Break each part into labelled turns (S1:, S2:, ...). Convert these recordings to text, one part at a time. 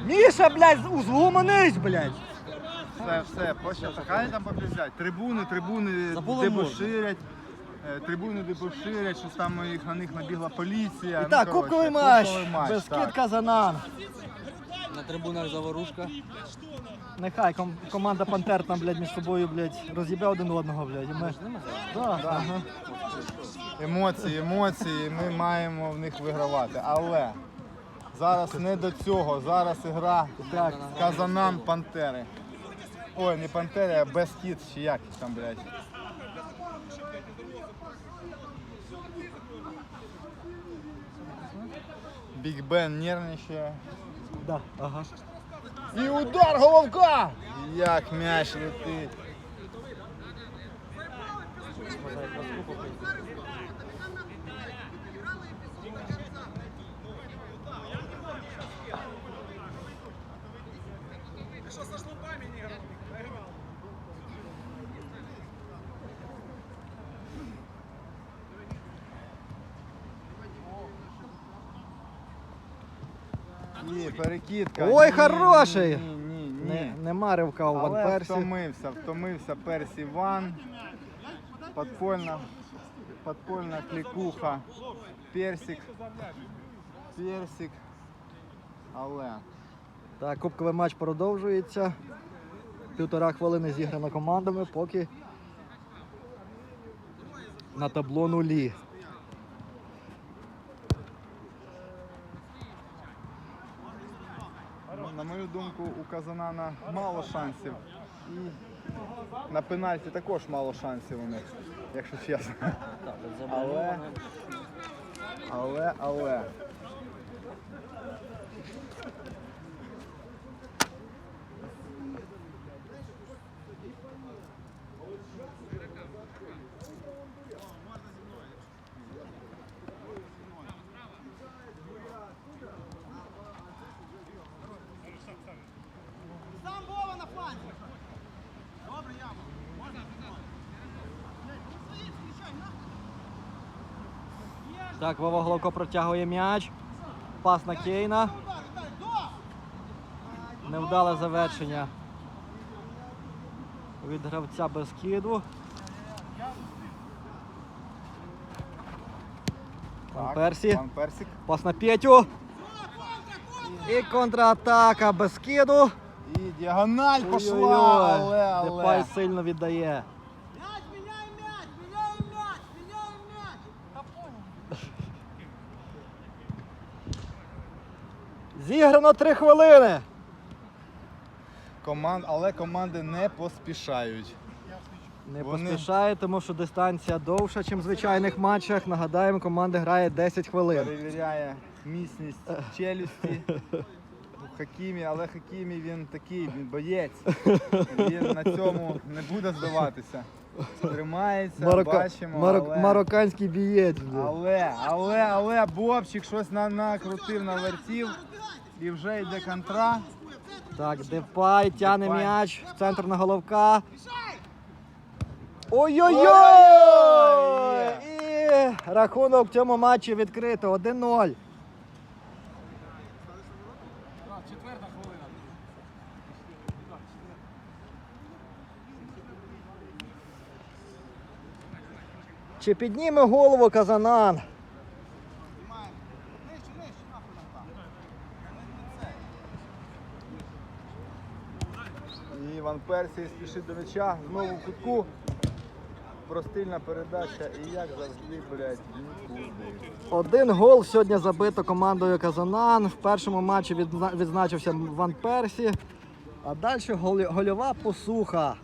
S1: Міша, блядь, узломанись, блядь.
S2: Все, хай там попіздять. Трибуни дебоширять. Трибуни дебоширять, що там на них набігла поліція.
S1: І так, кубковий матч. Бескид Казанан.
S3: На трибунах заворушка.
S1: Нехай команда Пантер там, блядь, між собою, блядь, роз'їбе один одного, блядь. І ми... Да, ага.
S2: Емоції, ми маємо в них вигравати. Але зараз не до цього. Зараз гра Казанан Пантери. Ой, не Пантери, а Бескид, чи як там, блядь. Біг Бен нервничає.
S1: Да, ага.
S2: І удар головка! Як м'яч летить. Ні, перекидка.
S1: Ой, хороший!
S2: Ні.
S1: Нема ривка у Ван
S2: Але
S1: Персі.
S2: втомився Персі Ван. Подпольна клікуха. Персик. Але.
S1: Так, кубковий матч продовжується. 1,5 хвилини зіграно командами, поки на табло нулі.
S2: На мою думку, у Казанана мало шансів. І на пенальті також мало шансів у них, якщо чесно. Але.
S1: Так, Вова Головко протягує м'яч. Пас на Кейна. Невдале завершення від гравця Бескиду. Ван Персі. Пас на Петю. І контратака Бескиду.
S2: І діагональ пішла, але.
S1: Депай сильно віддає. Зіграно 3 хвилини.
S2: Але команди не поспішають.
S1: Не поспішає, тому що дистанція довша, ніж в звичайних матчах. Нагадаємо, команда грає 10 хвилин.
S2: Перевіряє міцність челюсті у Хакімі, але Хакімі він такий, він боєць. Він на цьому не буде здаватися. Тримається, бачимо,
S1: Марокканський бієць.
S2: Але Бобчик щось накрутив, навертів і вже йде контра.
S1: Так, Депай тягне м'яч в центр на Головка. Ой-ой-ой! І рахунок в цьому матчі відкрито 1-0. Чи підніме голову Казанан?
S2: І Ван Персі спішить до м'яча, знову в кутку. Простильна передача і як завжди, блядь, нікуди.
S1: 1 гол сьогодні забито командою Казанан. В першому матчі відзначився Ван Персі. А далі гольова посуха.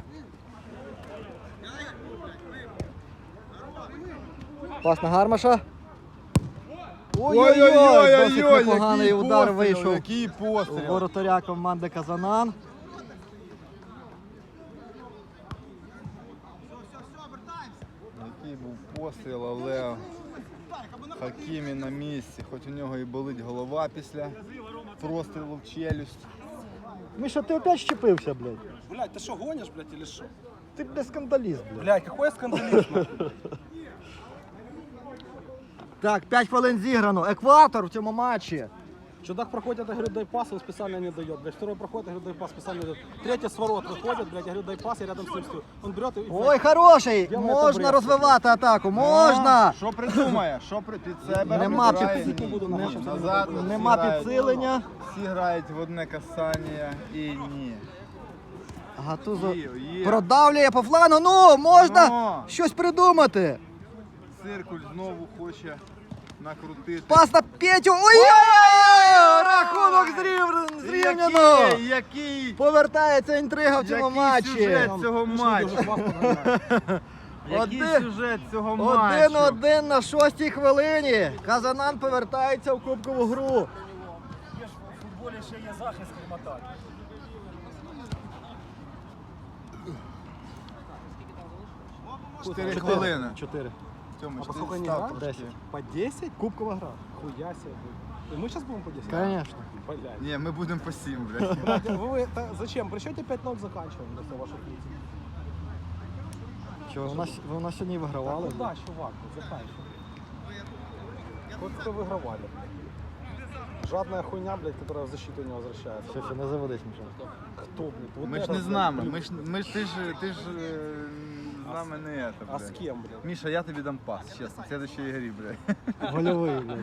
S1: Пас на Гармаша. Ой-ой-ой, досить непоганий удар вийшов.
S2: Який постріл.
S1: У воротаря команди Казанан.
S2: Який був постріл, але Хакімі на місці. Хоч у нього і болить голова після прострілу в челюсть.
S1: Міша, ти опять щепився, блядь?
S3: Блядь, ты что, гонишь, блядь, или что?
S1: Ти, блядь, скандаліст, блядь.
S3: Блядь, какой скандализм?
S1: Так, 5 хвилин зіграно. Екватор в цьому матчі.
S3: Чудак проходит, я говорю, дай пас, он специально не дает. Блядь, второй проходит, я говорю, дай пас, специально не дает. Третий с ворот выходит, блядь, я говорю, дай пас, я рядом с ним стою. Он берет и...
S1: Ой, хороший!
S3: Ділає
S1: Можна
S3: добре.
S1: розвивати атаку, можна!
S2: Що придумає? Під себе
S1: Нема
S2: прибирає?
S1: під-
S3: не буду нахуй.
S2: Назад.
S1: Нема
S2: всі грають.
S1: підсилення.
S2: Всі грають в одне касання і ні.
S1: Гатузо
S2: Є.
S1: продавлює по флану. Ну, можна
S2: Ну.
S1: щось придумати.
S2: Циркуль знову хоче накрутити.
S1: Пас на Петю. Ой-ой-ой! Рахунок зрівняно.
S2: Який
S1: Повертається інтрига в цьому матчі.
S2: сюжет цього матчу? Який
S1: Один-
S2: сюжет цього матчу?
S1: 1-1 на 6-й хвилині. Казанан повертається в кубкову гру.
S4: В футболі ще є захист, крім атаки.
S2: Чотири хвилини.
S1: 4.
S2: В цьому
S3: А по
S2: 4
S3: сколько они
S2: став
S3: играют?
S2: трошки.
S1: 10.
S3: По 10?
S1: Кубкова гра.
S3: Хуя себе. И мы сейчас будем по 10?
S1: Звісно.
S3: Блядь.
S2: Ні, ми будемо по 7, блядь.
S3: Блядь, зачем? При счете 5-0 заканчиваем до ваших лиц.
S1: Чого, ви у нас сьогодні вигравали?
S3: Ну да, чувак, заканчиваем. Вот кто выигрывали. Жадная хуйня, блядь, которая в защиту не возвращается.
S1: Все, не заводись, Міша.
S3: Кто, блядь? Вот
S2: Ми ж
S3: это,
S2: не з
S3: блядь,
S2: нами.
S3: блядь.
S2: Ти ж з нами не это,
S3: А с
S2: блядь.
S3: кем, блядь?
S2: Міша, я тобі дам пас, чесно, в следующей игрі, блядь.
S1: Гольовий, блядь.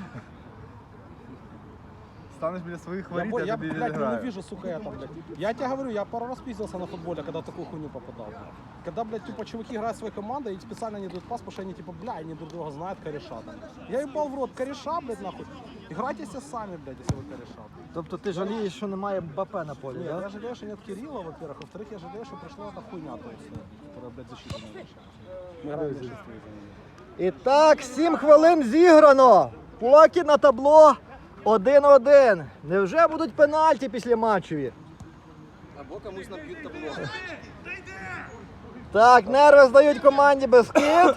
S2: Станеш біля своїх
S3: Я,
S2: воріт,
S3: бо-
S2: я
S3: я,
S2: тобі
S3: блядь,
S2: відіграю.
S3: ненавижу, сука, это, блядь. Я тебе говорю, я пару раз пиздился на футболе, когда в такую хуйню попадал. Когда, блядь, типа, чуваки играют своей командой и специально не дают пас, потому что они, типа, бля, они друг друга знают, кореша там. Я ебал в рот, кореша, блядь, нахуй. Играйте все сами, блядь, если вы кореша.
S1: Тобто ти жалієш, що немає БП на полі,
S3: Нет,
S1: так?
S3: я жалею, что нет Кирилла, во-первых. Во-вторых, я жалею, что пришла эта хуйня, то есть, которая, блядь, защиту не решает. Мы играем в большинстве из-за нее.
S1: І так, 7 хвилин зіграно. Поки на табло 1-1. Невже будуть пенальті після матчеві?
S3: Або комусь набьют табло.
S1: Так, нерви здають команді Бескид.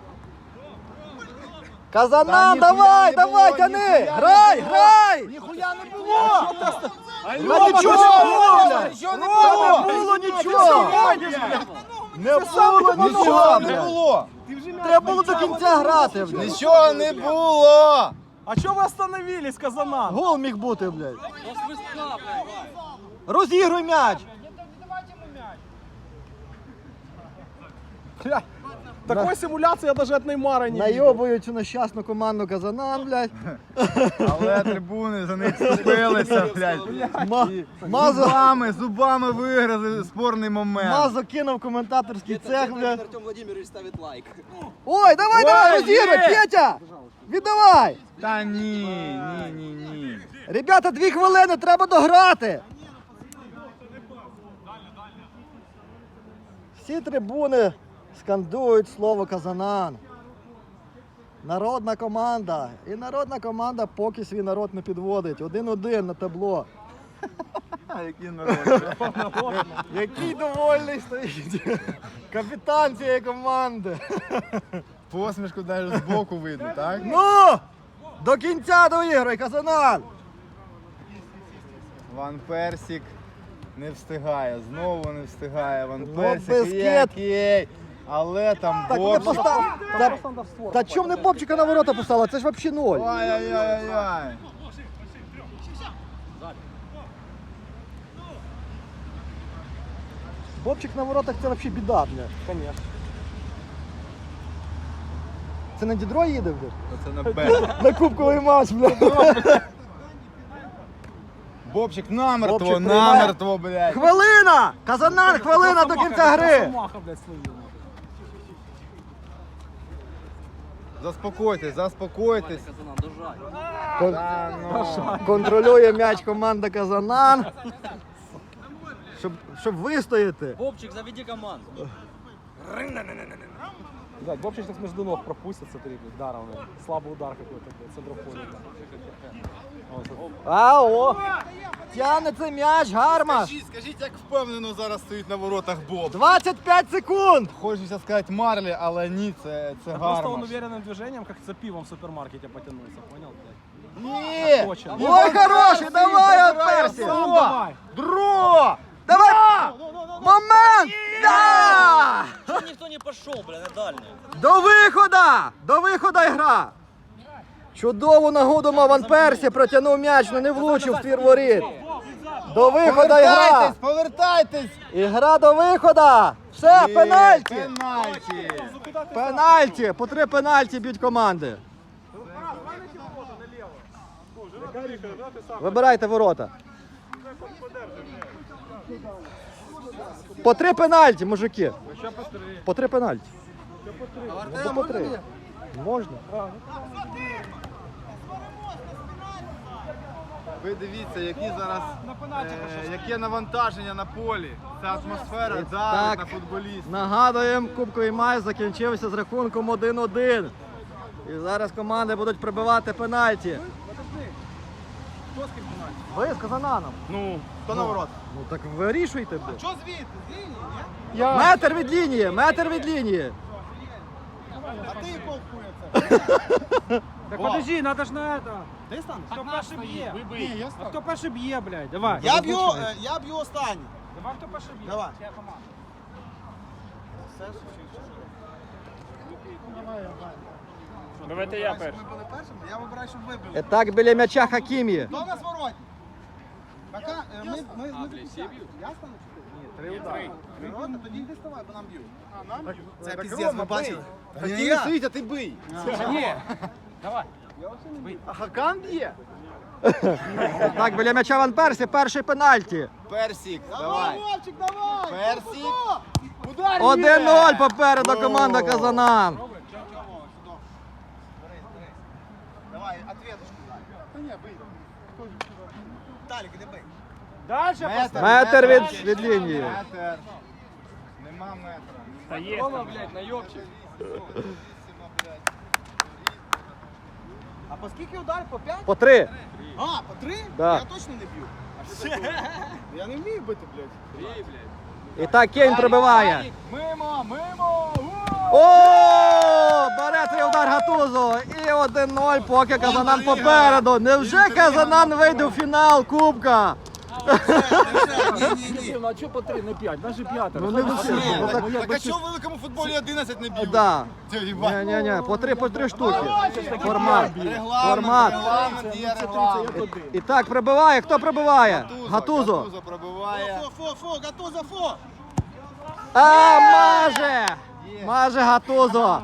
S1: Казанан,
S2: Та ніхуя
S1: давай,
S2: не
S1: давай,
S2: було,
S1: тяни!
S2: ніхуя не
S1: Грай,
S2: було!
S1: грай!
S2: Ніхуя не було!
S1: Та нічого не було, блядь!
S2: Нічого не
S1: Та
S2: було!
S1: не було нічого! Не було нічого,
S2: Нічого не
S1: блядь!
S2: було!
S1: Треба було до кінця грати, блядь!
S2: Нічого не було!
S3: А чё вы остановились, Казанан?
S1: Гол міг бути, блядь! Розігруй м'яч!
S3: Блядь, такой симуляции я даже от Неймара не видел.
S1: Найобують цю нещасну команду Казанан, блядь!
S2: Але трибуни за них вступилися, блядь. І
S1: Мазо,
S2: зубами виграли спорний момент.
S1: Мазо кинув коментаторський цех, блядь!
S3: Артем Владимирович ставит лайк.
S1: Ой, давай, давай,
S2: Ой,
S1: розігруй,
S2: є!
S1: Петя! Віддавай!
S2: Та ні.
S1: Ребята, 2 хвилини, треба дограти! Всі трибуни скандують слово Казанан. Народна команда. І народна команда поки свій народ не підводить. 1-1 на табло.
S2: А який народ.
S1: Який довольний стоїть капітан цієї команди.
S2: Посмішку навіть збоку видно, так?
S1: Ну! До кінця доіграй, Казанан!
S2: Ван Персік не встигає, знову не встигає Ван
S1: Ну,
S2: Персік.
S1: Бескет.
S2: Окей. Але там
S1: Так не
S2: Бобчик.
S1: постав. Та,
S3: Просто надо в створ
S1: та чому не Бобчика на ворота поставила? Це ж взагалі ноль.
S2: Ай-яй-яй-яй.
S1: Бобчик на воротах це взагалі біда, бля.
S3: Конечно.
S1: Це на Дідро їде, бля?
S2: Оце на Б.
S1: На кубковий матч, бля.
S2: Бобчик намертво,
S1: Бобчик приймає.
S2: намертво, блядь.
S1: Хвилина! Казанан, хвилина до кінця гри!
S3: Росомаха, блядь, словил.
S2: Заспокойтесь, заспокойтесь.
S3: Казанан, дожай.
S2: Та ну.
S1: Контролює м'яч команда Казанан. Щоб вистояти.
S3: Бобчик, заведи команду. Блядь, Бобчик сейчас между ног пропустит, смотри, блядь, даром, блядь. Слабый удар какой-то, блядь, центрофоне.
S1: Ао! Тягне цей м'яч, Гармаш!
S2: Скажіть, як впевнено зараз стоїть на воротах Боб.
S1: 25 секунд!
S2: Хочеться сказати Марлі, але ні, це
S3: Просто он
S2: Гармаш.
S3: уверенным движением, как за пивом в супермаркете потянулся, понял, блядь?
S1: Ні!
S3: Точно.
S1: Ой, хороший, давай, от Персі!
S3: Сам давай!
S2: Дро!
S1: Давай! Момент! Да!
S5: Чего никто не пошел, бля, на дальнюю?
S1: До виходу! До виходу гра! Чудову нагоду мав Ван Персі, протягнув м'яч, але не влучив в твір воріт. До виходу ігра.
S2: Повертайтесь!
S1: Ігра до виходу. Все, пенальті.
S2: Пенальті!
S1: Пенальті. По 3 пенальті б'ють команди. Вибирайте ворота. По 3 пенальті, мужики. По 3 пенальті. Ну, по 3. Можна.
S2: Ви дивіться, які зараз яке навантаження на полі. Ця атмосфера
S1: Так.
S2: давить на футболістів.
S1: Нагадуємо, кубковий матч закінчився з рахунком 1-1. І зараз команди будуть прибивати пенальті. Ви з Казананом.
S2: Ну, хто на ворот?
S1: Ну так вирішуйте.
S2: Що звідти? З лінії, ні?
S1: Метр від лінії, метр від лінії.
S2: А ти якого хуя
S5: Так подожди, надо ж на это.
S2: Ти станеш?
S5: Хто перший б'є? А хто перший б'є, блядь? Давай.
S2: Я б'ю останній.
S5: Давай, хто перший б'є.
S2: Давай.
S4: Давайте я перший.
S2: Ми були першими, я вибираю, щоб ви були.
S1: І так біля м'яча Хакімі.
S2: Хто в нас воротні? Пока, ми до кінця. Я стану чи ти? Ні, 3 удари. 3 ворота, тоді йди ставай, бо нам б'ють. А, нам б'ють? Це піздець, ви бачили? Ти не стоїть, а ти бий.
S5: Ні. Давай.
S2: А Хакан б'є?
S1: Так, біля м'яча Ван Персі, перший пенальті.
S2: Персик, давай. Вовчик, давай. Персик. Удар
S1: 1-0 попереду команда Казанан.
S2: Давай, ответочку дай. Та ні, бий. Талік, іди бий.
S5: Дальше
S1: Метр від лінії.
S2: Метр. Нема метра.
S4: Та є.
S5: блядь, найобчик.
S2: А по скільки ударів? По 5?
S1: По 3.
S2: А, по 3?
S1: Да.
S2: Я точно не б'ю. Я не вмію бити, блядь.
S1: І так Кейн прибиває.
S2: Мимо, мимо!
S1: О, бере цей удар Гатузо. І 1-0, поки Казанан попереду. Невже Казанан вийде у фінал Кубка?
S2: Ні.
S5: Ну а чого по 3, не 5? Даже 5.
S1: Ну не всі. Ну, так,
S2: Так а чого в великому футболі 11 не б'ють?
S1: да.
S2: Це їбать.
S1: Ні, по 3 штуки. Формат. Формат.
S2: Регламент є регламент.
S1: І так, прибиває. Хто прибиває? Гатузо.
S2: Гатузо пробиває. Фо, Гатузо, фо!
S1: А, маже! Маже Гатузо.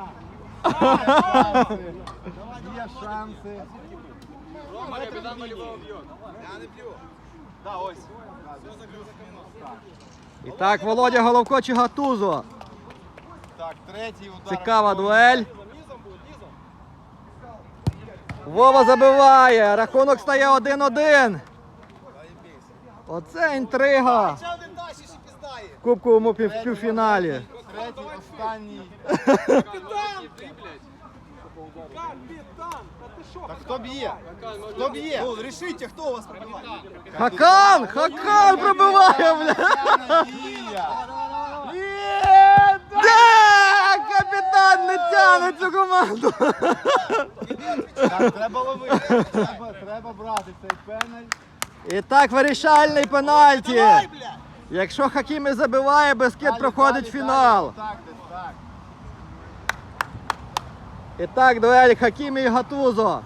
S2: Є шанси. Я не б'ю. Да, ось.
S1: І так, Володя Головко чи Гатузо.
S2: Так, третій удар.
S1: Цікава дуель. Вова забиває. Рахунок стає 1-1. Оце інтрига
S2: Ще один далі ще піздає.
S1: в кубковому півфіналі.
S2: Третій, останній. Так хто б'є? Хто б'є? Рішите, хто у вас пробиває?
S1: Хакан! Хакан пробиває, бля! Да! Капітан не тягне цю команду!
S2: Так, треба ловити. Треба брати цей пеналь.
S1: І так, вирішальний пенальті. Якщо Хакімі забиває, Бескид проходить фінал.
S2: Так, десь так.
S1: І так, дуель Хакімі і Гатузо.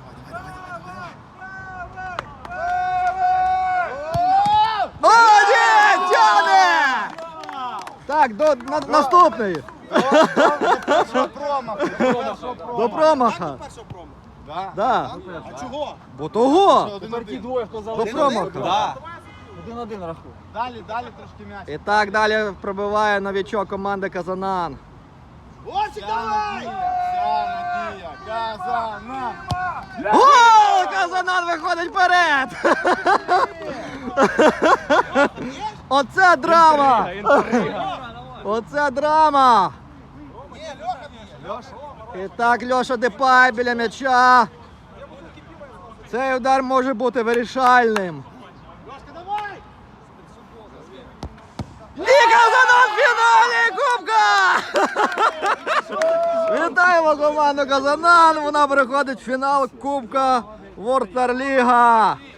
S1: О, ні! Тягне! Так, наступний.
S2: Що промах?
S1: До промаха.
S2: Да.
S1: Да.
S2: А чого?
S1: Бо того.
S2: Один-один.
S1: До промаха.
S5: 1-1 рахунок.
S2: Далі трошки м'яч.
S1: І так далі пробиває новічок команди Казанан.
S2: Вовчик, давай! Вся надія, Казанан!
S1: Гол! Казанан виходить вперед! Оце драма! Оце драма! І так, Льоша Депай біля м'яча. Цей удар може бути вирішальним. І Казанан в фіналі Кубка! Вітаємо команду Казанан! Вона переходить в фінал Кубка Вортерліга.